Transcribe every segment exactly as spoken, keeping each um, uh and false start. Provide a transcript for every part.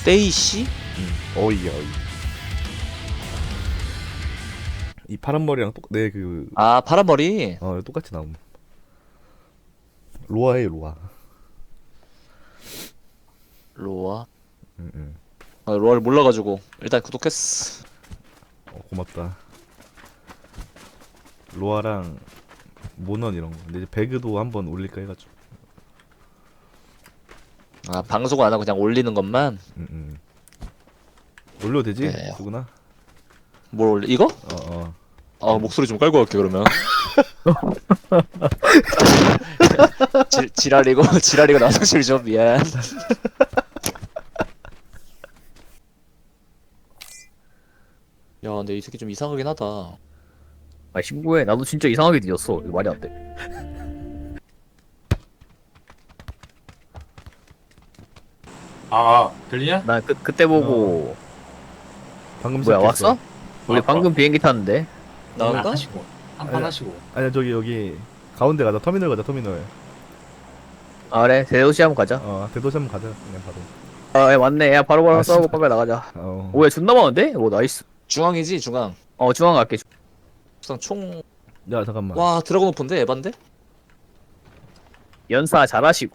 데이씨? 응. 어이야 어이. 이 파란 머리랑 똑내그 아 파란머리. 어 똑같이 나옴. 로아해 로아. 로아. 응응. 아, 로아를 몰라가지고 일단 구독했어. 어, 고맙다. 로아랑 모넌 이런 거. 근데 이제 배그도 한번 올릴까 해가지고. 아 방송을 안 하고 그냥 올리는 것만. 응응. 올려도 되지? 네. 수구나. 뭘 올리? 이거? 어어. 아 목소리 좀 깔고 갈게 그러면. 지, 지랄이고 지랄이고 나성실 좀 미안. 야 근데 이 새끼 좀 이상하긴 하다. 아 신고해. 나도 진짜 이상하게 뒤졌어. 이거 말이 안 돼. 아, 들리냐? 나 그, 그때 보고 방금 뭐야 시작했어. 왔어? 우리 왔어. 방금 비행기 탔는데. 나올까? 하시고 한판 아니야. 하시고. 아니야 저기 여기 가운데 가자. 터미널 가자 터미널. 아 그래 대도시 한번 가자. 어 대도시 한번 가자 그냥 바로. 아 야, 맞네. 야 바로바로 아, 싸우고 씨발. 빨리 나가자. 어. 오야 존나 많은데? 오 나이스. 중앙이지 중앙. 어 중앙 갈게. 우선 총. 야 잠깐만. 와 드래곤 오픈데 에반데? 연사 잘하시고.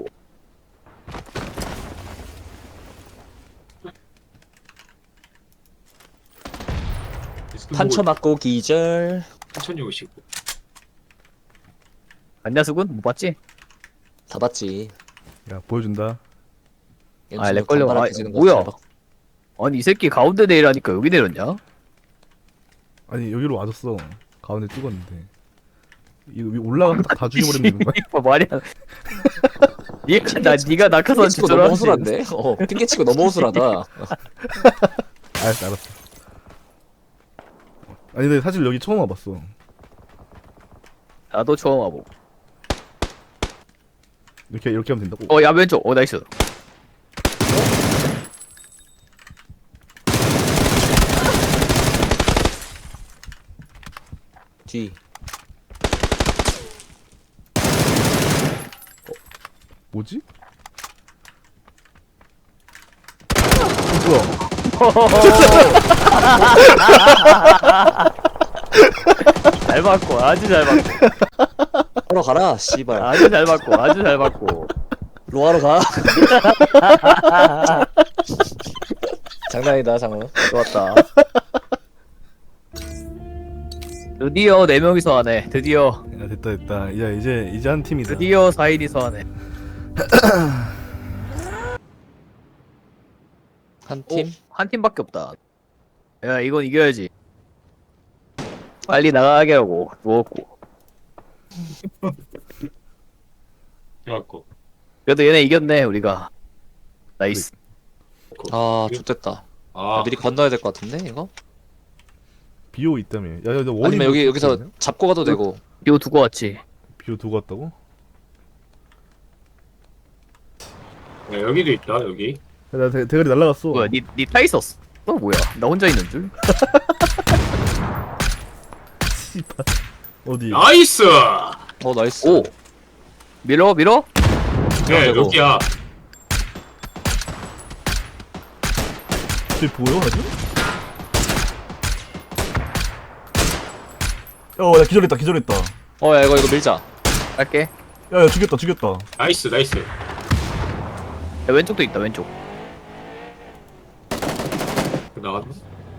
판쳐 맞고 기절. 천천히 오시고. 안냐수군 못 봤지? 다 봤지. 야 보여준다. 아, 렉 걸려. 아, 지는 거 뭐야? 잘 봤- 아니 이 새끼 가운데 내리라니까 여기 내렸냐? 아니 여기로 와줬어. 가운데 찍었는데. 이거 위 올라가서 다 죽여버리는 거야? 이거 말이 안. 니가 나 니가 낙하산 핑계치고 너무 주저하지. 허술한데? 어 핑계치고 너무 허술하다. 알았어 알았어. 아니 근데 사실 여기 처음 와봤어. 나도 처음 와보. 이렇게 이렇게 하면 된다고? 어야 왼쪽. 어 나이스. 뒤. 뭐지? 어, 뭐야? 잘 맞고 아주 잘 맞고 하러 가라 씨발. 아주 잘 맞고 아주 잘 맞고. 로아로 가. 장난이다 장난. 좋았다. 드디어 네 명이서 하네. 드디어 야 됐다 됐다. 이제 이제 이제 한 팀이다. 드디어 사 인이서 하네. 한 팀. 한 팀밖에 없다. 야 이건 이겨야지. 빨리 나가게 하고 누웠고. 해갖고. 그래도 얘네 이겼네 우리가. 나이스. 아 좋됐다. 아, 미리 건너야 될 것 같은데 이거? 비오 있다며. 야야 너 원인 아니면 여기 여기서 잡고 가도 되고. 이거 두고 왔지. 비오 두고 왔다고? 야, 여기도 있다 여기. 야, 나 대, 대가리 날라갔어. 뭐야 니니타 있었어? 어 뭐야? 나 혼자 있는 줄? 씨발. 어디? 나이스. 어 나이스. 오 밀어 밀어? 네 되고. 여기야. 저기 보여 아직? 어, 야 기절했다 기절했다. 어야 이거 이거 밀자. 갈게. 야, 야 죽였다 죽였다. 나이스 나이스. 야, 왼쪽도 있다 왼쪽. 나갔네.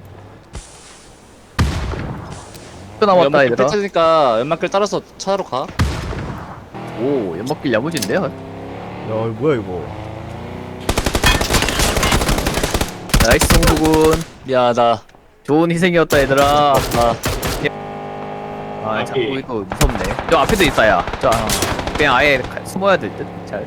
또 남았다 연막길 얘들아. 펼쳐지니까 연막길 따라서 차로 가. 오 연막길 야무진데요? 야 이거 뭐야 이거? 나이스 송구군. 미안하다. 좋은 희생이었다 얘들아. 아 아 앞이. 자꾸 이거 무섭네. 저 앞에도 있다 야. 저 그냥 아예 가- 숨어야 될 듯. 잘.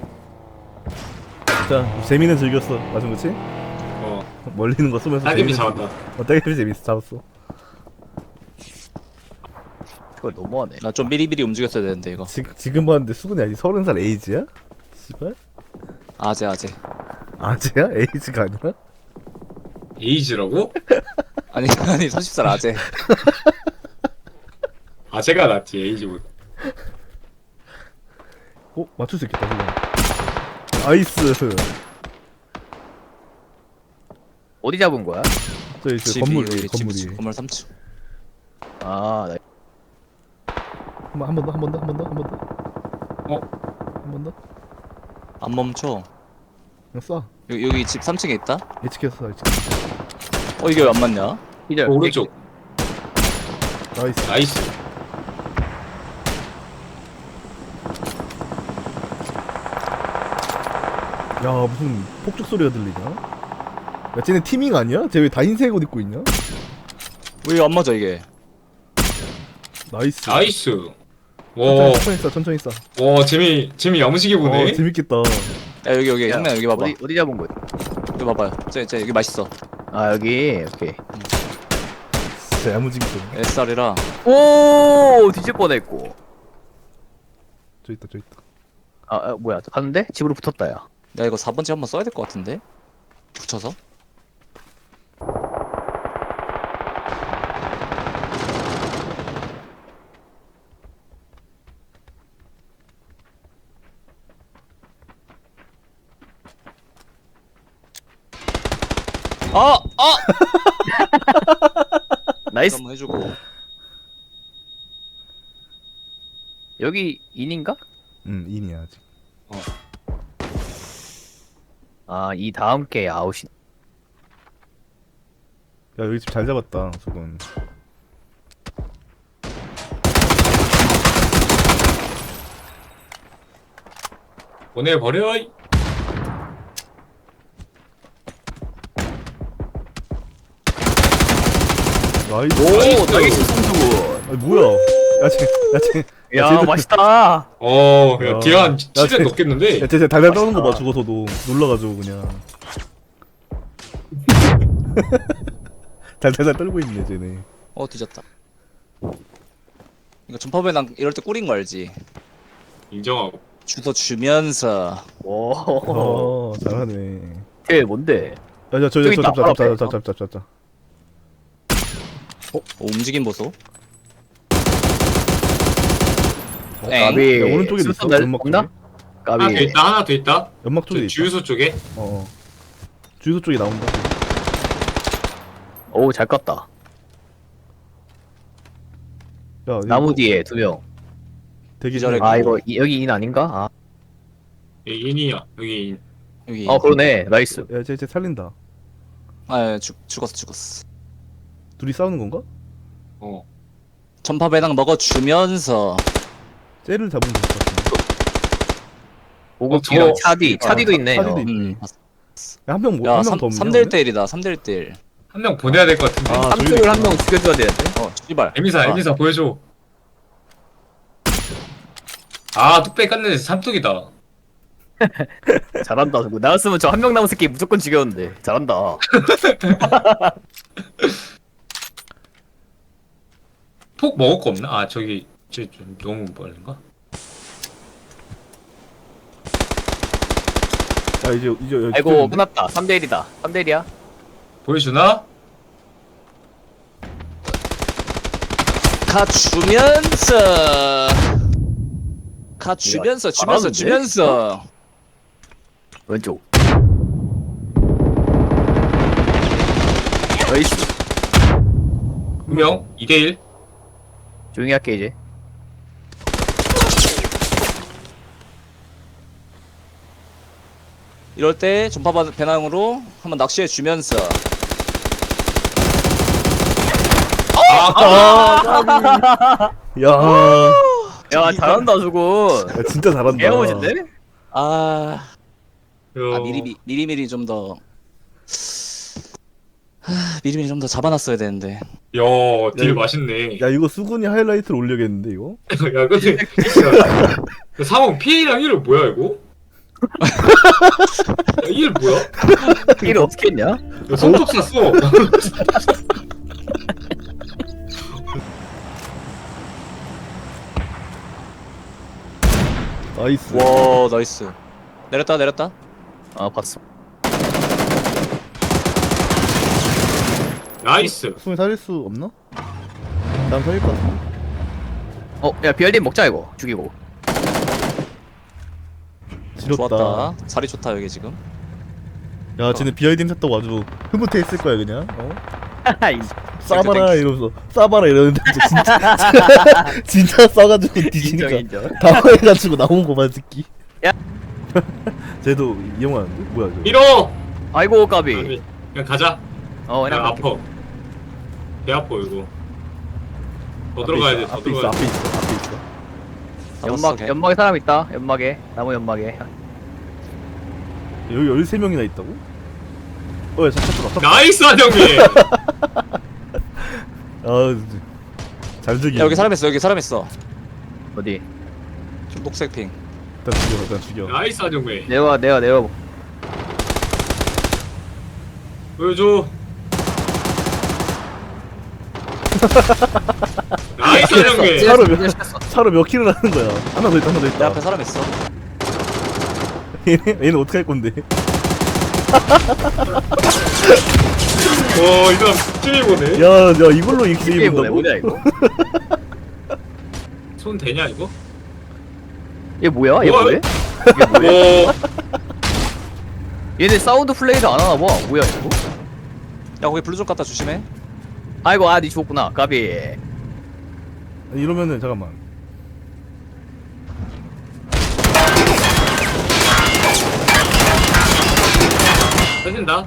진짜 재미는 즐겼어. 맞은 거지? 어. 멀리 있는 거 쏘면서. 따개비 재미는 잡았다. 즐- 어 따개비 재밌어 잡았어. 그거 너무하네. 나 좀 미리미리 움직였어야 되는데 이거. 지, 지금 봤는데 수근이 아직 서른 살 에이지야? 씨발? 아재 아재. 아재야? 에이지가 아니라? 에이지라고? 아니 아니 서른 살 아재. 아 제가 낫지 에이지보다. 어? 맞출 수 있겠다 지금. 나이스. 어디 잡은 거야? 저기 저 집이 건물 여기 위 집, 건물 집, 위. 건물 삼 층. 아, 나 한번 한 번 더 한 번 더 한 번 더 한 번 더. 어? 한 번 더. 안 멈춰. 그냥 쏴. 여기, 여기 집 삼 층에 있다? 예측했어 예측. 어 이게 왜 안 맞냐? 기절. 그 오른쪽. 나이스. 나이스. 야 무슨 폭죽 소리가 들리냐? 야 쟤네 티밍 아니야? 쟤 왜 다 흰색 옷 입고 있냐? 왜 안 맞아 이게? 나이스. 나이스. 천천히, 와, 천천히 쏴 천천히 쏴. 와, 재미, 재미 야무지게 보네. 어 재밌겠다. 야 여기 여기 야, 형님 여기 봐봐. 어디 어디 잡은 거야? 여기 봐봐요. 쟤, 쟤 여기 맛있어. 아, 여기. 오케이. 진짜 야무지게 쏘네. 에스알이라. 오, 뒤질 뻔했고. 저 있다 저 있다. 아, 아 뭐야? 갔는데? 집으로 붙었다 야. 야 이거 사 번째 한번 써야 될 것 같은데? 붙여서? 아! 아! 나이스. 한번 해주고. 여기 인인가? 응 인이야 아직. 아, 이 다음 게 아웃이. 야 여기 집 잘 잡았다 수근. 보내버려. 나이스. 오, 나이스 송수군. 아 뭐야? 야쟤야쟤 야, 쟤들- 맛있다. 어, 야, 야. 기한 야, 칠 대 쟤- 넘겠는데? 야, 쟤 달달 떠는 거 봐, 맛있다. 죽어서도. 놀라가지고, 그냥. 달달달 떨고 있네, 쟤네. 어 뒤졌다. 이거 전파배낭 이럴 때 꿀인 거 알지? 인정하고. 주소 주면서 오. 어, 잘하네. 걔 뭔데? 야, 야, 저, 저, 저기 저, 있다. 잡자, 잡자, 잡자, 잡자, 잡자, 잡자. 어, 움직임 보소. 어, 엥? 까비. 야, 오른쪽에 있어, 수수 날- 연막 쪽에. 없나? 하나 더 까비. 있다, 하나 더 있다. 연막 쪽에 저 있다. 주유소 쪽에. 어, 어. 주유소 쪽에 나온다. 오, 잘 껐다. 야, 나무 이거 뒤에 두 명. 되게 기절해. 잘- 아, 이거 이- 여기 인 아닌가? 아, 여기 인이야. 여기 인. 여기. 어, 그러네. 나이스. 야, 쟤, 쟤 살린다. 아, 죽 죽었어, 죽었어. 둘이 싸우는 건가? 어. 전파배낭 먹어주면서 쟤를 잡으면 될 것 같은데. 보급기랑 저- 차디. 차디도 차- 있네. 차디도 어. 있- 음. 야, 한 명, 뭐, 야, 한 명 더 없냐? 삼 대 일 대 일이다. 삼 대 일 대 일. 한 명 보내야 될 것 같은데. 아, 저기 삼수를 한 있구나. 명 죽여줘야 되는데. 어, 씨발. 에미사, 아, 에미사 보여줘. 아, 뚝배기 깠네. 삼뚝이다. 잘한다. 누구. 나였으면 저 한 명 남은 새끼 무조건 죽였는데. 잘한다. 폭 먹을 거 없나? 아, 저기, 저, 좀 너무 빠른가? 야, 이제, 이제, 여기 아이고, 붙었는데? 끝났다. 삼 대 일이다. 삼 대 일이야. 보여주나? 가주면서. 가주면서, 주면서, 잘하는데? 주면서. 왼쪽. 나이스. 두 명, 이 대 일. 조용히 할게, 이제. 이럴 때 전파배낭으로 한번 낚시해 주면서. 야, 야, 야, 잘한다, 수군. 진짜 잘한다. 개어오신데? 아, 야, 아 미리 미리 미리 좀 더. 하, 미리미리 좀 더 잡아놨어야 되는데. 야, 딜 야, 맛있네. 야, 이거 수근이 하이라이트를 올려야겠는데, 이거? 야, 근데, 야, 사망 피해량 일 뭐야, 이거? 야, 일 뭐야? 이를 어떻게 했냐? 야, 손톱 샀어. 나이스. 와, 나이스. 내렸다, 내렸다. 아, 봤어. 나이스. 수근이 살릴 수 없나? 난 살릴 것 같아. 어, 야, 비알딘 먹자, 이거. 죽이고. 지렸다. 좋았다. 자리 좋다 여기 지금. 야 쟤네 비아이디 샀다고 아주 흐뭇해했을 거야 그냥. 어? 하이. 싸봐라 이러면서 싸봐라 이러는데 진짜 진짜 싸가지고 인정 뒤지니까 인정. 당황해가지고 나온 거만 듣기. 야. 쟤도 이용하는데 뭐야 이거? 밀어. 아이고 까비. 아니, 그냥 가자. 어 그냥 그냥 아파. 배 아파 이거. 더 들어가야 돼. 더 앞에 있어 들어가야 앞에 돼. 있어 앞에 있어. 연막 걔. 연막에 사람 있다. 연막에 나무 연막에. 여기 열세 명이나 있다고? 어야 잠깐 잠깐. 나이스 한정민. 아잘 죽이. 야 여기 사람 있어 여기 사람 있어 어디? 좀 녹색 핑 일단 죽여 일단 죽여. 나이스 한정민. 내려 내려 내려. 보여줘. 나이스 한정민. 차로 몇 차로 몇 킬을 하는 거야? 하나 더 있다 하나 더 내 있다. 앞에 사람 있어 얘네 얘는 어떻게 할 건데? 와, 이 사람 찜이 보네. 야, 야 이걸로 이렇게 이게 뭐야 입는다고? 뭐냐 이거? 손 되냐 이거? 얘 뭐야? 얘 뭐야? 뭐해? 이게 뭐야? 와, 얘네 사운드 플레이를 안 하나 봐. 뭐야 이거? 야 거기 블루 좀 갖다 조심해 아이고 아니 죽었구나. 까비. 아니, 이러면은 잠깐만. 터진다.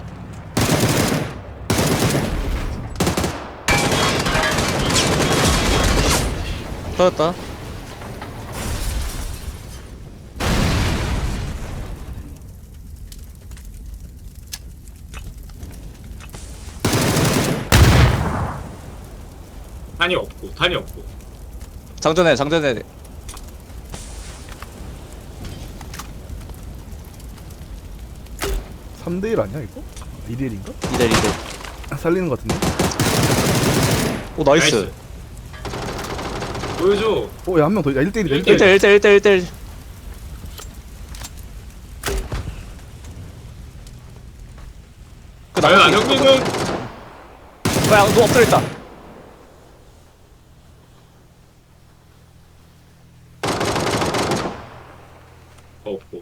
터졌다 탄이 없고, 탄이 없고. 장전해 장전해 삼 대 일 아니야 이거? 이 대 일인가? 이대 이대 살리는 거 같은데? 오 나이스 나이스. 보여줘. 어, 야 한 명 더. 야 일 대 일이다. 일 대 일. 일 대 일. 일 대 일 대 일 대 일 그 과연 나무 안정민은 야너 엎드려 있다 없고.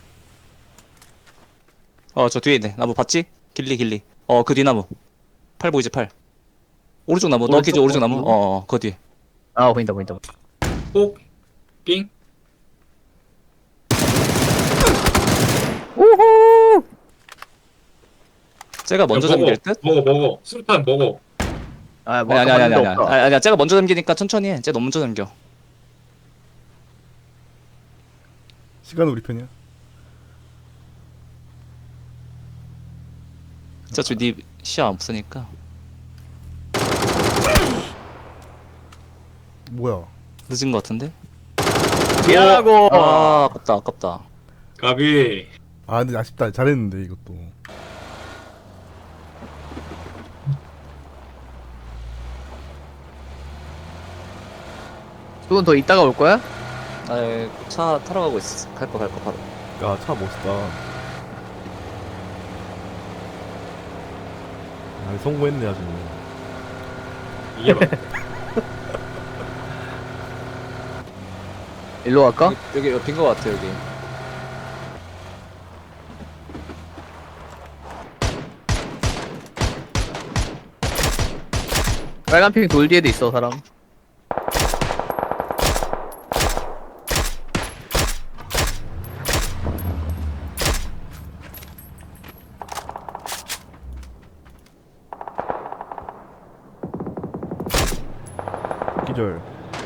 어 저 뒤에 있네 나무 봤지? 길리 길리 어 그 뒤나무 팔 보이지 팔 오른쪽 나무 너 오른쪽? 기지 오른쪽 나무 오른쪽? 어어 그 뒤에 아 보인다 보인다. 폭, 삥. 오호. 쟤가 먼저 야, 먹어, 잠길 듯? 먹어, 먹어. 수류탄 먹어. 아 뭐 아니 아까 아니 아니 봤는데 아니 없다. 아니 아니야 쟤가 먼저 잠기니까 천천히 해쟤 너무 먼저 잠겨 시간은 우리 편이야. 진짜 저네 시야 없으니까 뭐야? 늦은 거 같은데? 미안하고. 아 아깝다 아깝다 가비. 아 근데 아쉽다. 잘했는데 이것도. 두분 더 이따가 올 거야? 아차 타러 가고 있어 갈 거 갈 거 바로 야 차 멋있다. 아 성공했네 아주. 이게 봐. 일로 갈까? 여기 여기 빈거 같아 여기 빨간 핑 돌 뒤에도 있어 사람. 기절.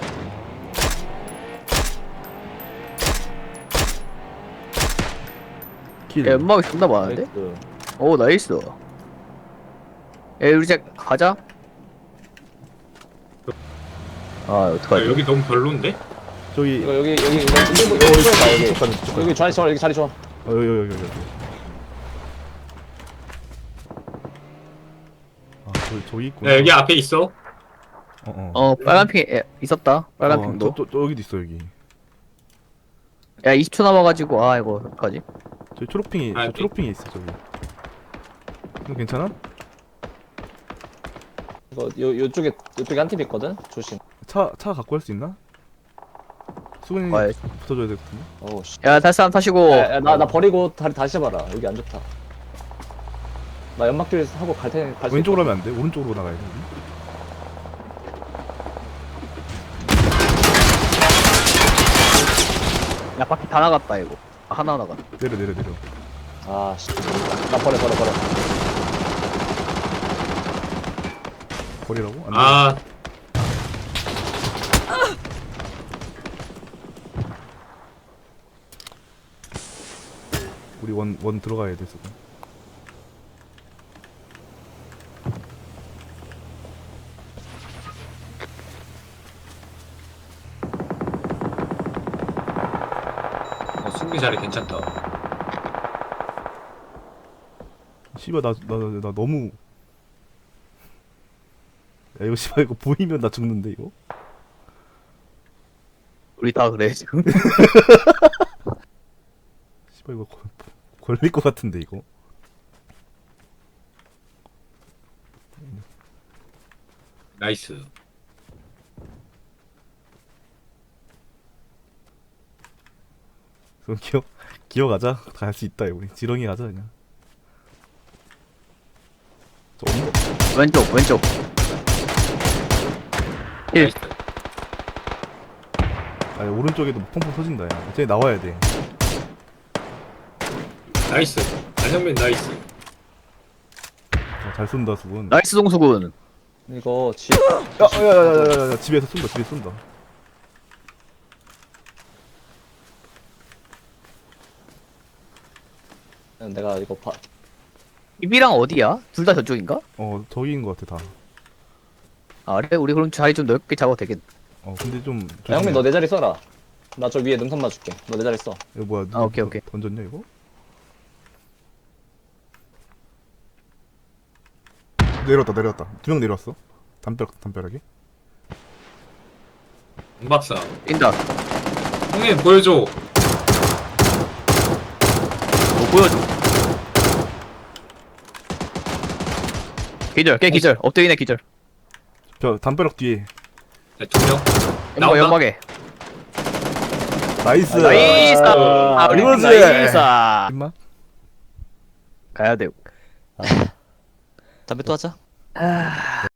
킬. 야, 연막이 존나 많은데? 나이스. 오 나이스. 야 우리 이제 가자. 아 야, 어떡하지? 여기 너무 별론데? 저기 이거 여기 여기 이거 이거 이거 이거 여기 이쪽 가자, 이쪽 가자. 여기 자리 좋아 여기 자리 좋아 어 여기 여기 여기 여기. 아 저기 저기 있구나. 야, 여기 앞에 있어. 어 어. 어 빨간 핑 에, 있었다. 빨간 어, 핑도. 저, 저, 저 여기도 있어 여기. 야 이십 초 남아가지고 아 이거 어떡하지? 저기 초록핑이 아, 저 초록핑이 있어 저기. 이거 괜찮아? 이거 요 요쪽에 요쪽에 한 팀 있거든 조심 차 차 갖고 갈 수 있나? 수근이 아, 붙어줘야 될 것 같은데. 어우 씨 야 다시 사람 타시고. 야, 야, 나, 나 버리고 다리 다시 해봐라 여기 안 좋다 나 연막길 하고 갈 테니 갈수 왼쪽으로 하면 안 돼? 오른쪽으로 나가야 돼. 우리? 야 바퀴 다 나갔다 이거. 아, 하나 나갔다. 내려 내려 내려. 아씨 나 버려 버려 버려 버리라고? 안 돼. 아 우리 원 원 들어가야 돼 지금. 어, 승리 자리 괜찮다. 씨발 나 나 나 나 너무. 야 이거 씨발 이거 보이면 나 죽는데 이거. 우리 다 그래 지금. 씨발 이거 걸- 걸릴 것 같은데 이거. 나이스. 그럼 기어 기어가자. 갈 수 있다 이거. 우리 지렁이 가자 그냥. 저 언덕 왼쪽 왼쪽. 일. 나이스. 아니 오른쪽에도 펑펑 터진다 야. 쟤 나와야 돼. 나이스. 안현민 나이스. 어, 잘 쏜다 수군. 나이스 동수군. 이거 지 야야야야야 집에서 쏜다 집에 쏜다. 내가 이거 봐 입이랑 어디야? 둘 다 저쪽인가? 어 저기인 것 같아 다. 아 그래? 우리 그럼 자리 좀 넓게 잡아도 되겠. 어 근데 좀. 야, 형민 너 내 자리 써라 나 저 위에 능선 맞줄게 너 내 자리 써 이거 뭐야? 아, 오케이, 오케이. 던졌냐 이거? 내려왔다 내려왔다. 두 명 내려왔어. 담벼락 담벼락에. 응 박사. 뛴다. 형님 보여줘. 뭐 보여줘. 기절, 깨 기절. 엎드리네 기절. 저 담벼락 뒤에. 네, 두 명. 연막 나온다? 연막에. 나이스. 나이스. 아, 우리 이거지. 나이스. 임마. 가야 돼. 담배 또 하자 아,